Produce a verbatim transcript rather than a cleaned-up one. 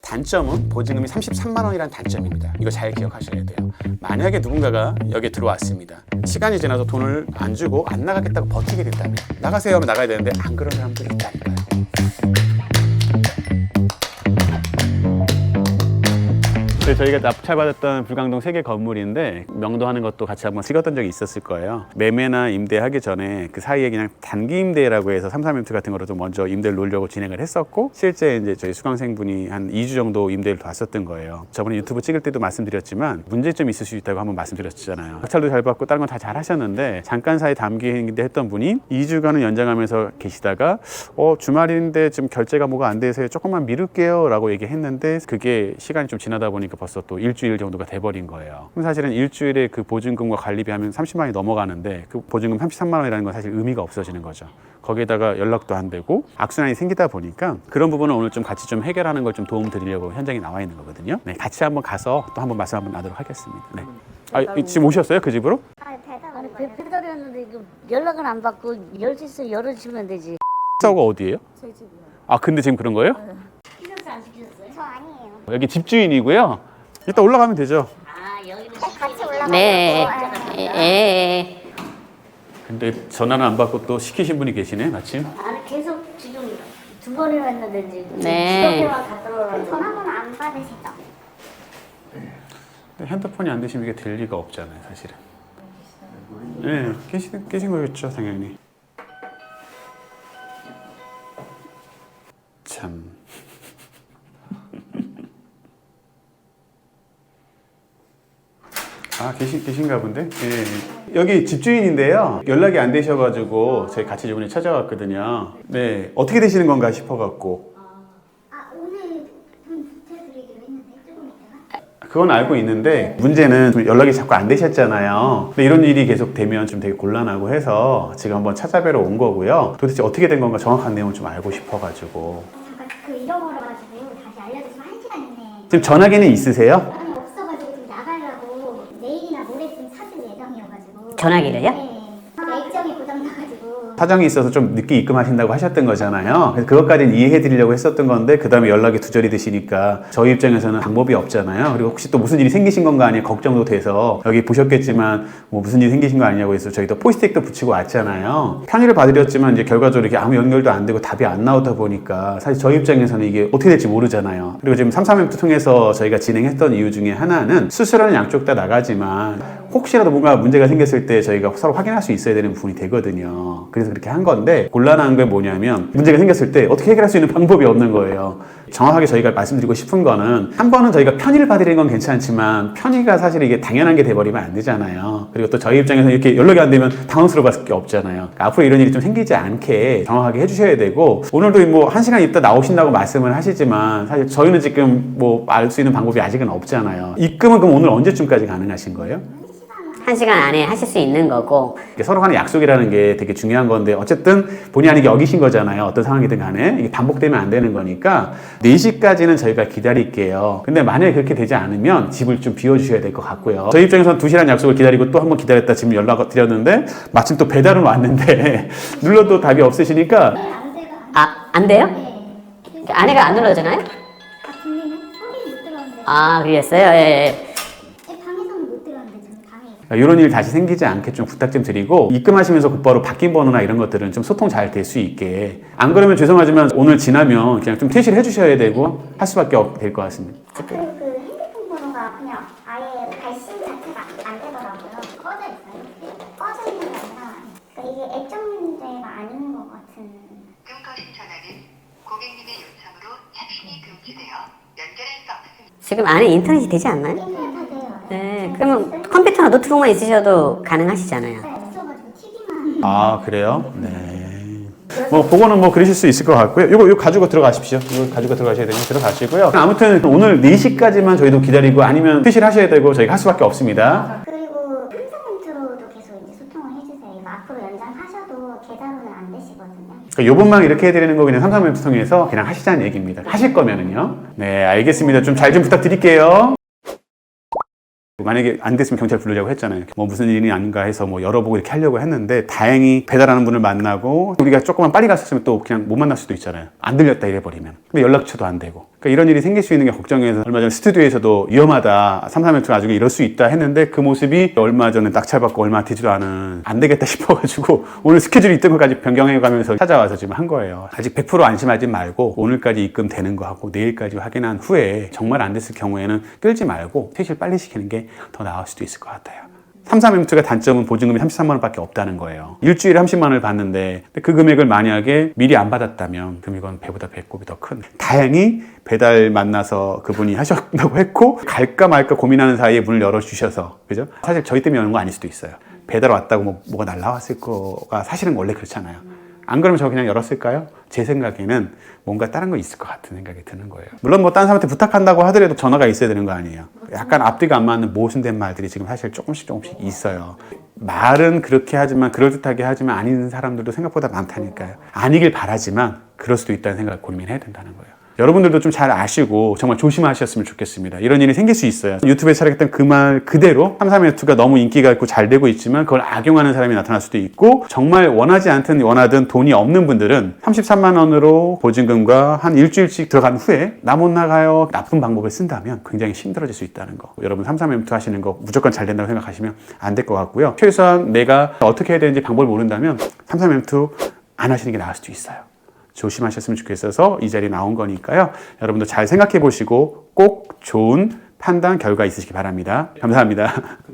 단점은 보증금이 삼십삼만 원이라는 단점입니다. 이거 잘 기억하셔야 돼요. 만약에 누군가가 여기에 들어왔습니다. 시간이 지나서 돈을 안 주고 안 나가겠다고 버티게 된다면 나가세요 하면 나가야 되는데 안 그런 사람들이 있다니까요. 저희가 납찰받았던 불광동 세 개 건물인데 명도하는 것도 같이 한번 찍었던 적이 있었을 거예요. 매매나 임대하기 전에 그 사이에 그냥 단기 임대라고 해서 삼삼엠투 같은 거로 좀 먼저 임대를 놓으려고 진행을 했었고, 실제 이제 저희 수강생분이 한 이 주 정도 임대를 뒀었던 거예요. 저번에 유튜브 찍을 때도 말씀드렸지만 문제점이 있을 수 있다고 한번 말씀드렸잖아요. 낙찰도 잘 받고 다른 건 다 잘 하셨는데 잠깐 사이 단기 임대 했던 분이 이 주간을 연장하면서 계시다가 어 주말인데 지금 결제가 뭐가 안 돼서 조금만 미룰게요 라고 얘기했는데, 그게 시간이 좀 지나다 보니까 벌써 또 일주일 정도가 돼버린 거예요. 그럼 사실은 일주일에 그 보증금과 관리비 하면 삼십만 원이 넘어가는데 그 보증금 삼십삼만 원이라는 건 사실 의미가 없어지는 거죠. 거기에다가 연락도 안 되고 악순환이 생기다 보니까 그런 부분은 오늘 좀 같이 좀 해결하는 걸 좀 도움 드리려고 현장에 나와 있는 거거든요. 네, 같이 한번 가서 또 한번 말씀 한번 나도록 하겠습니다. 네. 아, 지금 오셨어요? 그 집으로? 아니 배달 배달이었는데 이거 연락은 안 받고 열 수 있으면 열어주면 되지. 사고가 어디예요? 저희 집이요. 아, 근데 지금 그런 거예요? 시켜서 안 시켰어요? 저 아니에요. 여기 집주인이고요. 이따 올라가면 되죠. 아 여기는 같이 올라가고. 네. 예. 근데 전화는 안 받고 또 시키신 분이 계시네, 마침. 아니 계속 지금 두 번이나 했는데 지금 네. 지도표만 갖다 놓으라고. 전화번호 안 받으시죠? 근데 핸드폰이 안 되시면 이게 될 리가 없잖아요, 사실은. 네, 계신, 계신 거겠죠, 당연히. 참. 아, 계신, 계신가 본데? 예. 여기 집주인인데요. 연락이 안 되셔가지고 저희 같이 이번에 찾아왔거든요. 네, 어떻게 되시는 건가 싶어갖고. 아 오늘 돈 부탁드리기로 했는데 조금 있다가. 그건 알고 있는데 문제는 좀 연락이 자꾸 안 되셨잖아요. 근데 이런 일이 계속 되면 좀 되게 곤란하고 해서 지금 한번 찾아뵈러 온 거고요. 도대체 어떻게 된 건가 정확한 내용을 좀 알고 싶어가지고. 잠깐 그 잃어버려가지고 다시 알려주시면 한 시간 이내에. 지금 전화기는 있으세요? 아니 없어가지고 좀 나가려고 내일이나 모레쯤 찾을 예정이어가지고. 전화기를요? 네. 액정이 고장나가지고. 사정이 있어서 좀 늦게 입금하신다고 하셨던 거잖아요. 그래서 그것까지는 이해해 드리려고 했었던 건데 그 다음에 연락이 두절이 되시니까 저희 입장에서는 방법이 없잖아요. 그리고 혹시 또 무슨 일이 생기신 건가 아니에요? 걱정도 돼서 여기 보셨겠지만 뭐 무슨 일이 생기신 거 아니냐고 해서 저희도 포스트잇도 붙이고 왔잖아요. 편의를 봐드렸지만 이제 결과적으로 이렇게 아무 연결도 안 되고 답이 안 나오다 보니까 사실 저희 입장에서는 이게 어떻게 될지 모르잖아요. 그리고 지금 삼삼엠투 통해서 저희가 진행했던 이유 중에 하나는 수수료는 양쪽 다 나가지만 혹시라도 뭔가 문제가 생겼을 때 저희가 서로 확인할 수 있어야 되는 부분이 되거든요. 그래서 그렇게 한 건데, 곤란한 게 뭐냐면 문제가 생겼을 때 어떻게 해결할 수 있는 방법이 없는 거예요. 정확하게 저희가 말씀드리고 싶은 거는 한 번은 저희가 편의를 봐드리는 건 괜찮지만 편의가 사실 이게 당연한 게 돼버리면 안 되잖아요. 그리고 또 저희 입장에서 이렇게 연락이 안 되면 당황스러울 수밖에 없잖아요. 그러니까 앞으로 이런 일이 좀 생기지 않게 정확하게 해주셔야 되고, 오늘도 뭐 한 시간 있다 나오신다고 말씀을 하시지만 사실 저희는 지금 뭐 알 수 있는 방법이 아직은 없잖아요. 입금은 그럼 오늘 언제쯤까지 가능하신 거예요? 한 시간 안에 하실 수 있는 거고. 서로 간의 약속이라는 게 되게 중요한 건데 어쨌든 본의 아니게 어기신 거잖아요. 어떤 상황이든 간에 이게 반복되면 안 되는 거니까 네 시까지는 저희가 기다릴게요. 근데 만약에 그렇게 되지 않으면 집을 좀 비워주셔야 될 것 같고요. 저희 입장에서는 두 시간 약속을 기다리고 또 한 번 기다렸다 지금 연락을 드렸는데 마침 또 배달은 왔는데 눌러도 답이 없으시니까. 아, 안 돼요? 네. 아내가 안 눌러주나요? 아 들리는? 소리 못 들었는데. 아, 그랬어요? 예, 예. 방에서는 못 들었는데 저는 방에. 이런 일 다시 생기지 않게 좀 부탁 좀 드리고, 입금하시면서 곧바로 바뀐 번호나 이런 것들은 좀 소통 잘 될 수 있게. 안 그러면 죄송하지만 오늘 지나면 그냥 좀 퇴실해 주셔야 되고 할 수밖에 될 것 같습니다. 아, 그리고 그 핸드폰 번호가 그냥 아예 발신 자체가 안 되더라고요. 꺼져 있어요. 꺼져 있는 게 아니라 그러니까 이게 액정 문제가 아닌 것 같은. 끊거신 전화는 고객님의 요청으로 착신이 금지되어 연결할 수 없습니다. 지금 안에 인터넷이 되지 않나요? 인터넷 다 돼요. 네, 그러면 컴퓨터나 노트북만 있으셔도 가능하시잖아요. 네, 없어가지고 티비만. 아, 그래요? 네. 뭐 그거는 뭐 그러실 수 있을 것 같고요. 이거 이거 가지고 들어가십시오. 이거 가지고 들어가셔야 되면 들어가시고요. 아무튼 오늘 네 시까지만 저희도 기다리고 아니면 퇴실하셔야 되고 저희가 할 수밖에 없습니다. 그리고 삼성멘트로도 계속 이제 소통을 해주세요. 이거 앞으로 연장하셔도 계좌로는 안 되시거든요. 그러니까 요번만 이렇게 해드리는 거 그냥 삼삼엠투 통해서 그냥 하시자는 얘기입니다. 하실 거면은요. 네, 알겠습니다. 좀 잘 좀 부탁드릴게요. 만약에 안 됐으면 경찰 부르려고 했잖아요. 뭐 무슨 일이 아닌가 해서 뭐 열어보고 이렇게 하려고 했는데 다행히 배달하는 분을 만나고 우리가 조금만 빨리 갔었으면 또 그냥 못 만날 수도 있잖아요. 안 들렸다 이래버리면. 근데 연락처도 안 되고. 그러니까 이런 일이 생길 수 있는 게 걱정해서 얼마 전에 스튜디오에서도 위험하다. 삼삼엔투가 나중에 이럴 수 있다 했는데 그 모습이 얼마 전에 낙찰받고 얼마 되지도 않은 안 되겠다 싶어가지고 오늘 스케줄이 있던 것까지 변경해가면서 찾아와서 지금 한 거예요. 아직 백 퍼센트 안심하지 말고 오늘까지 입금되는 거 하고 내일까지 확인한 후에 정말 안 됐을 경우에는 끌지 말고 퇴실 빨리 시키는 게 더 나을 수도 있을 것 같아요. 삼삼엔투가 단점은 보증금이 삼십삼만 원밖에 없다는 거예요. 일주일에 삼십만 원을 받는데 그 금액을 만약에 미리 안 받았다면 그럼 이건 배보다 배꼽이 더 큰. 다행히 배달 만나서 그분이 하셨다고 했고 갈까 말까 고민하는 사이에 문을 열어주셔서 그죠? 사실 저희 때문에 여는 거 아닐 수도 있어요. 배달 왔다고 뭐, 뭐가 날라왔을 거가 사실은 원래 그렇잖아요. 안 그러면 저 그냥 열었을까요? 제 생각에는 뭔가 다른 거 있을 것 같은 생각이 드는 거예요. 물론 뭐 다른 사람한테 부탁한다고 하더라도 전화가 있어야 되는 거 아니에요. 약간 앞뒤가 안 맞는 모순된 말들이 지금 사실 조금씩 조금씩 있어요. 말은 그렇게 하지만 그럴듯하게 하지만 아닌 사람들도 생각보다 많다니까요. 아니길 바라지만 그럴 수도 있다는 생각을 고민해야 된다는 거예요. 여러분들도 좀 잘 아시고 정말 조심하셨으면 좋겠습니다. 이런 일이 생길 수 있어요. 유튜브에 촬영했던 그 말 그대로 삼삼엔투가 너무 인기가 있고 잘 되고 있지만 그걸 악용하는 사람이 나타날 수도 있고 정말 원하지 않든 원하든 돈이 없는 분들은 삼십삼만 원으로 보증금과 한 일주일씩 들어간 후에 나 못 나가요. 나쁜 방법을 쓴다면 굉장히 힘들어질 수 있다는 거. 여러분 삼삼엔투 하시는 거 무조건 잘 된다고 생각하시면 안 될 것 같고요. 최소한 내가 어떻게 해야 되는지 방법을 모른다면 삼삼엔투 안 하시는 게 나을 수도 있어요. 조심하셨으면 좋겠어서 이 자리에 나온 거니까요. 여러분도 잘 생각해 보시고 꼭 좋은 판단 결과 있으시기 바랍니다. 감사합니다.